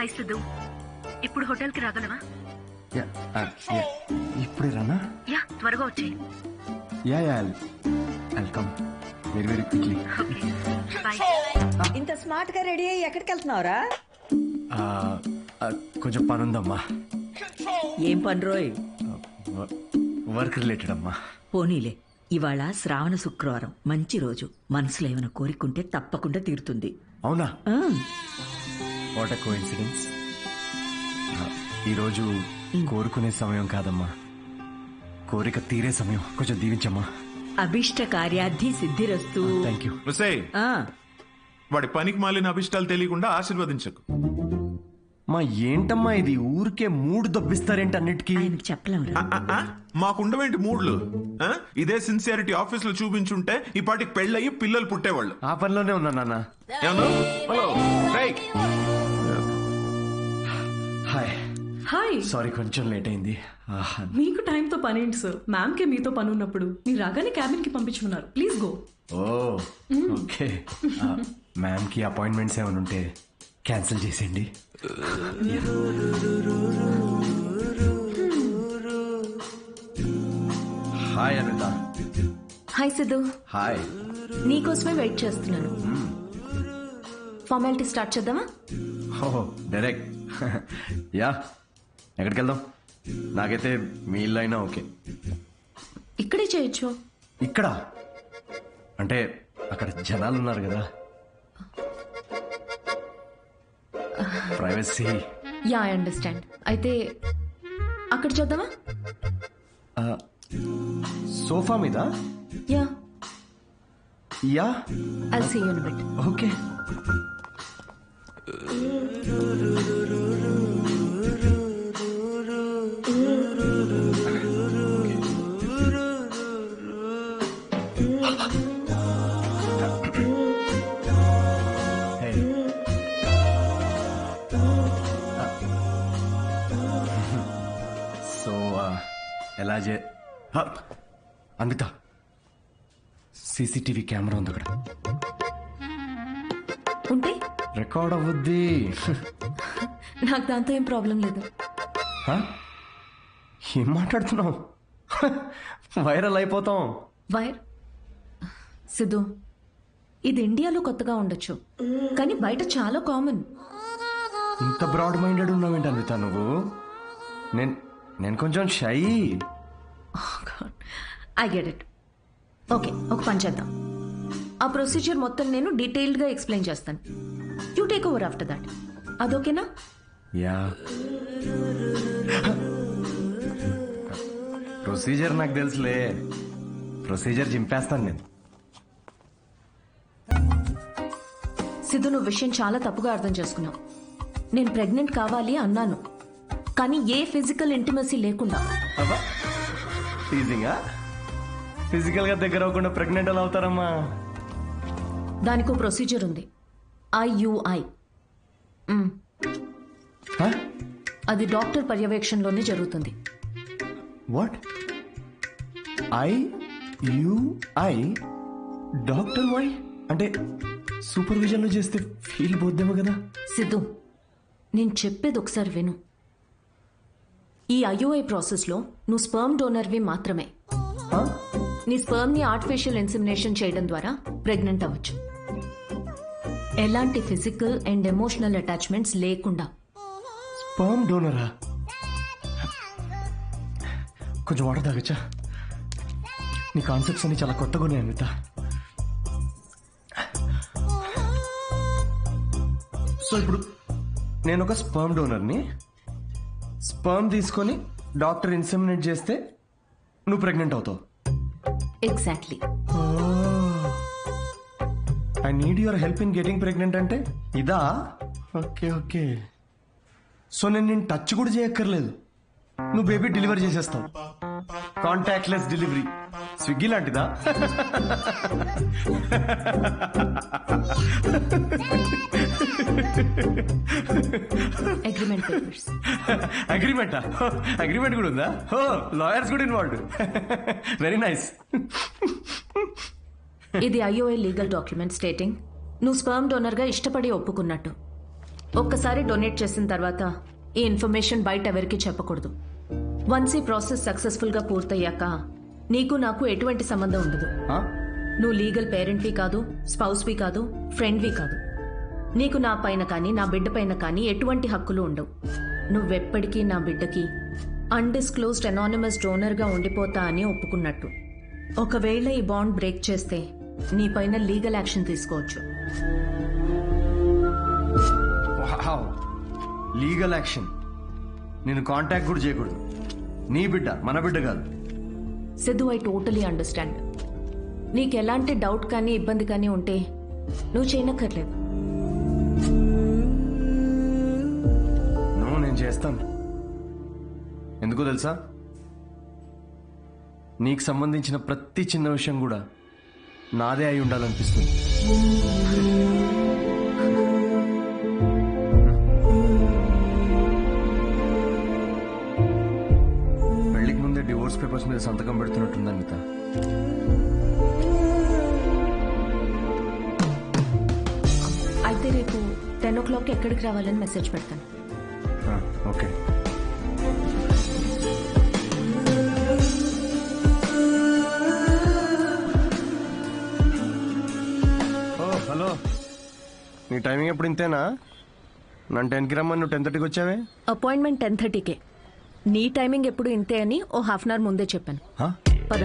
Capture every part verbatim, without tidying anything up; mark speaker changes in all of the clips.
Speaker 1: Hi Siddhu, ఇప్పుడు హోటల్కి రాగలవా?
Speaker 2: ఇప్పుడే రానా?
Speaker 1: యా, త్వరగా వచ్చేయి.
Speaker 2: Yeah yeah welcome very very quickly.
Speaker 1: Bye.
Speaker 3: ఇంత స్మార్ట్ గా రెడీ అయ్యి ఎక్కడికి వెళ్తున్నావురా?
Speaker 2: కొంచెం పని ఉందమ్మా.
Speaker 3: ఏం పని రోయ్?
Speaker 2: వర్క్ రిలేటెడ్ అమ్మా.
Speaker 3: పోనీలే, ఇవాళ శ్రావణ శుక్రవారం, మంచి రోజు. మనసులో ఏమైనా కోరికుంటే తప్పకుండా తీరుతుంది.
Speaker 2: అవునా?
Speaker 3: ఆ,
Speaker 2: వాట్ ఎ కోఇన్సిడెన్స్. ఈరోజు కోరుకునే సమయం కాదమ్మా, కోరిక తీరే సమయం. కొంచెం దీవించమ్మా.
Speaker 3: అభిష్ట కార్యార్థి సిద్ధిరస్తు.
Speaker 2: Thank you.
Speaker 4: ముసై,
Speaker 3: ఆ,
Speaker 4: వాడి పనికి మాలిన అభిష్టాలు తెలియకుండా ఆశీర్వదించకు.
Speaker 2: మా ఏంటమ్మా ఇది, ఊరికే మూడు దొబ్బిస్తారేంటి అన్నిటికీ?
Speaker 3: ఆయనకు చెప్పలేమురా.
Speaker 4: ఆ, ఆ, మాకుండవేంటి మూడ్లు? ఆ? ఇదే సిన్సియారిటీ ఆఫీస్ లో చూపించుంటే ఈ పాటికి పెళ్ళయి పిల్లలు పుట్టేవాళ్ళు.
Speaker 2: ఆ పనిలోనే ఉన్నా నాన్న.
Speaker 4: ఏమన్నా? హలో, రేయ్.
Speaker 2: హాయ్.
Speaker 5: హాయ్.
Speaker 2: సారీ కొంచెం లేట్ అయింది. ఆహా.
Speaker 5: మీకు టైంతో పని ఏంటి సార్? మ్యామ్ కే మీతో పని ఉన్నప్పుడు మీరు రాగానే క్యాబిన్ కి పంపించుకున్నారు. Please go.
Speaker 2: Oh okay. Ma'am కి అపాయింట్మెంట్స్ ఏమైనా ఉంటే క్యాన్సిల్ చేసేయండి. Hi Anitha.
Speaker 6: Hi Siddhu,
Speaker 2: hi.
Speaker 6: నీకోసమే వెయిట్ చేస్తున్నాను. ఫార్మాలిటీ స్టార్ట్ చేద్దామా?
Speaker 2: Oh direct. యా, ఎక్కడికి వెళ్దాం? నాకైతే మీ ఇల్లు అయినా ఓకే.
Speaker 6: ఇక్కడే చేయొచ్చు.
Speaker 2: ఇక్కడ అంటే అక్కడ జనాలు ఉన్నారు కదా, ప్రైవసీ.
Speaker 6: Yeah, I understand. అయితే అక్కడ చేద్దామా?
Speaker 2: సోఫా మీద.
Speaker 6: Yeah,
Speaker 2: yeah,
Speaker 6: I'll see you in a bit.
Speaker 2: Okay. So ఎలా చే అన్విత, సీసీటీవీ కెమెరా ఉంది అక్కడ.
Speaker 6: ఉంటే
Speaker 2: రికార్డ్ అవ్వద్ది.
Speaker 6: నాకు దాంతో ఏం ప్రాబ్లం లేదు.
Speaker 2: హ? ఏం మాట్లాడుతున్నావు? వైరల్ అయిపోతాం.
Speaker 6: వైర్ సిద్ధు, ఇది ఇండియాలో కొత్తగా ఉండొచ్చు, కానీ బయట చాలా కామన్.
Speaker 2: ఇంత బ్రాడ్ మైండెడ్ ఉన్నావేంటి అన్విత నువ్వు? నేను నేను కొంచెం shy.
Speaker 6: I get it. Okay, ఒక పని చేద్దాం. ఆ ప్రొసీజర్ మొత్తం నేను డీటెయిల్డ్గా ఎక్స్ప్లెయిన్ చేస్తాను. You take over after that. అదోకేనా?
Speaker 2: యా. ప్రొసీజర్ నాకు తెలుసులే. ప్రొసీజర్ చింపేస్తాను నేను.
Speaker 6: సిద్ధు, నువ్వు విషయం చాలా తప్పుగా అర్థం చేసుకున్నావు. నేను ప్రెగ్నెంట్ కావాలి అన్నాను, కానీ ఏ ఫిజికల్ ఇంటిమసీ లేకుండా.
Speaker 2: అబ్బా, టీజింగా? ఫిజికల్ గా దగ్గర అవ్వకుండా ప్రెగ్నెంట్ ఎలా అవుతారమ్మా?
Speaker 6: దానికో ప్రొసీజర్ ఉంది, ఐయుఐ.
Speaker 2: హ?
Speaker 6: అది డాక్టర్ పర్యవేక్షణలోనే జరుగుతుంది.
Speaker 2: What? IUI doctor why అంటే సూపర్విజన్ లో చేస్తే ఫీల్ పోద్దేమో కదా?
Speaker 6: సిద్ధు, నేను చెప్పేది ఒకసారి విను. ఈ ఐయుఐ ప్రాసెస్లో నువ్వు స్పర్మ్ డోనర్వి మాత్రమే.
Speaker 2: హ?
Speaker 6: నీ స్పర్మ్ ని ఆర్టిఫిషియల్ ఇన్సెమినేషన్ చేయడం ద్వారా ప్రెగ్నెంట్ అవ్వచ్చు, ఎలాంటి ఫిజికల్ అండ్ ఎమోషనల్ అటాచ్మెంట్స్ లేకుండా.
Speaker 2: స్పర్మ్ డోనరా? కొంచెం వాటర్ తాగచ్చా? నీ కాన్సెప్ట్స్ అన్ని చాలా కొత్తగా ఉన్నాయి అన్విత. సో ఇప్పుడు నేను ఒక స్పర్మ్ డోనర్ని. స్పర్మ్ తీసుకొని డాక్టర్ ఇన్సెమినేట్ చేస్తే నువ్వు ప్రెగ్నెంట్ అవుతావు.
Speaker 6: Exactly.
Speaker 2: I need your help in getting pregnant అంటే ఇదా? Okay okay. సో నేను నేను టచ్ కూడా చేయక్కర్లేదు, నువ్వు బేబీ డెలివరీ చేసేస్తావు. Contactless delivery. స్విగ్గీ లాంటిదా?
Speaker 6: Agreement papers.
Speaker 2: అగ్రిమెంటా? అగ్రిమెంట్ కూడా ఉందా? ఓ, లాయర్స్ కూడా ఇన్వాల్వ్డ్. Very nice.
Speaker 6: ఇది ఐఓఐ లీగల్ డాక్యుమెంట్ స్టేటింగ్ నువ్వు స్పర్మ్ డోనర్ గా ఇష్టపడి ఒప్పుకున్నట్టు. ఒక్కసారి డొనేట్ చేసిన తర్వాత ఈ ఇన్ఫర్మేషన్ బయట ఎవరికీ చెప్పకూడదు. వన్స్ ఈ ప్రాసెస్ సక్సెస్ఫుల్గా పూర్తయ్యాక నీకు నాకు ఎటువంటి సంబంధం ఉండదు.
Speaker 2: ఆ?
Speaker 6: నువ్వు లీగల్ పేరెంట్వి కాదు, స్పౌస్వి కాదు, ఫ్రెండ్వి కాదు. నీకు నా పైన కానీ నా బిడ్డ పైన కానీ ఎటువంటి హక్కులు ఉండవు. నువ్వెప్పటికీ నా బిడ్డకి అన్డిస్క్లోజ్డ్ అనానిమస్ డోనర్గా ఉండిపోతా అని ఒప్పుకున్నట్టు. ఒకవేళ ఈ బాండ్ బ్రేక్ చేస్తే నీ పైన లీగల్ యాక్షన్ తీసుకోవచ్చు.
Speaker 2: Legal action? నేను కాంటాక్ట్ కూడా చేయకూడదు. నీ బిడ్డ మన బిడ్డ కాదు.
Speaker 6: Siddhu, I totally understand. నీకు ఎలాంటి డౌట్ కానీ ఇబ్బంది కానీ ఉంటే నువ్వు చేయనక్కర్లేదు.
Speaker 2: నువ్వు నేను చేస్తాను. ఎందుకో తెలుసా, నీకు సంబంధించిన ప్రతి చిన్న విషయం కూడా నాదే అయి ఉండాలనిపిస్తుంది. పెళ్లికి ముందే డివోర్స్ పేపర్స్ మీద సంతకం పెడుతున్నట్టుంది అనిత.
Speaker 6: అయితే రేపు టెన్ ఓ క్లాక్ ఎక్కడికి రావాలని మెసేజ్ పెడతాను.
Speaker 2: ఆ, ఓకే. ఓ హలో, నీ టైమింగ్ ఎప్పుడు ఇంతేనా? నన్ను టెన్కి రమ్మని నువ్వు టెన్ థర్టీకి వచ్చావే.
Speaker 6: అపాయింట్మెంట్ టెన్ థర్టీకే. నీ టైమింగ్ ఎప్పుడు ఇంతే అని ఓ హాఫ్ అన్ అవర్ ముందే చెప్పాను.
Speaker 2: హా?
Speaker 6: పద.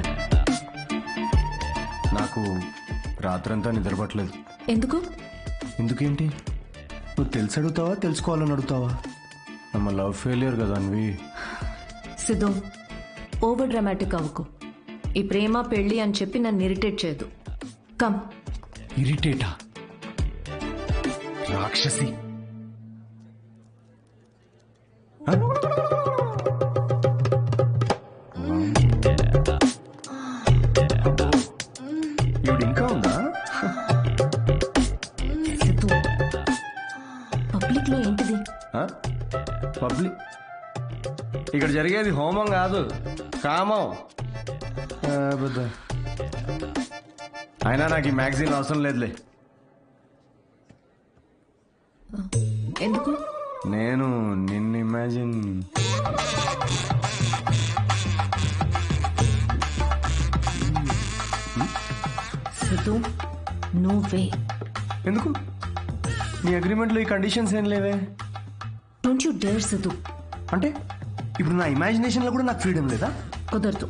Speaker 2: నాకు రాత్రంతా నిద్రపట్టలేదు.
Speaker 6: ఎందుకు?
Speaker 2: ఎందుకేంటి? నువ్వు తెలిసి అడుగుతావా తెలుసుకోవాలని అడుగుతావా? నమ్మ లవ్ ఫెయిలియర్ కదా అన్వి.
Speaker 6: సిద్ధు, ఓవర్ డ్రామాటిక్ అవ్వకు. ఈ ప్రేమ పెళ్లి అని చెప్పి నన్ను ఇరిటేట్ చేయదు. కమ్.
Speaker 2: ఇరిటేటా? రాక్షసి. హ? ఈవిడ ఇంకా ఉందా?
Speaker 6: సిద్ధు, పబ్లిక్ లో ఏంటిది?
Speaker 2: పబ్లిక్ ఇక్కడ జరిగేది హోమం కాదు, కామం. ఆ, బుద్ధ. అయినా నాకు ఈ మ్యాగజైన్ అవసరం లేదులే.
Speaker 6: ఎందుకు?
Speaker 2: నేను నిన్ను ఇమాజిన్
Speaker 6: సిద్ధు, నువ్వే.
Speaker 2: ఎందుకు? నీ అగ్రిమెంట్లో ఈ కండిషన్స్ ఏం లేవే.
Speaker 6: Don't you dare Siddhu.
Speaker 2: అంటే ఇప్పుడు నా ఇమాజినేషన్లో కూడా నాకు ఫ్రీడమ్ లేదా?
Speaker 6: కుదరదు.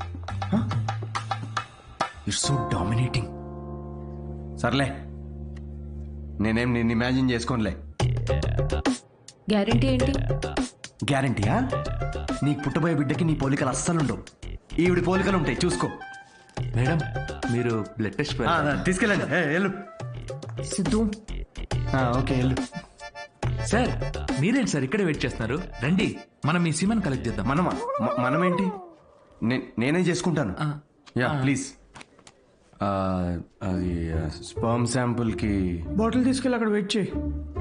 Speaker 2: It's so dominating. సర్లే, నేనేం నిన్ను ఇమాజిన్ చేసుకోనులే.
Speaker 6: గ్యారంటీ ఏంటి?
Speaker 2: గ్యారంటీయా? నీకు పుట్టబోయే బిడ్డకి నీ పోలికలు అస్సలు ఉండవు. ఈవిడి పోలికలు ఉంటాయి, చూసుకో.
Speaker 7: మేడం, మీరు బ్లడ్ టెస్ట్
Speaker 2: ఆ, తీసుకెళ్ళండి. ఏ, వెళ్ళు.
Speaker 6: సిద్ధు,
Speaker 2: ఆ, ఓకే వెళ్ళు.
Speaker 7: సార్, మీరేంటి సార్ ఇక్కడే వెయిట్ చేస్తున్నారు? రండి, మనం మీ సీమన్ కలెక్ట్ చేద్దాం.
Speaker 2: మనమా? మ- మనమేంటి? నే- నేనే చేసుకుంటాను.
Speaker 7: ఆ.
Speaker 2: Yeah please. ఆ, అది స్పర్మ్ శాంపుల్ కి
Speaker 8: బాటిల్ తీసుకెళ్ళి అక్కడ వెయిట్ చేయి.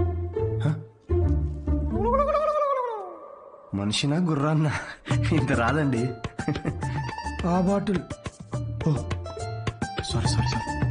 Speaker 2: మనిషినా గుర్రాన్నా? ఇంత రాదండి.
Speaker 8: ఆ బాటిల్
Speaker 2: సారీ సారీ సారీ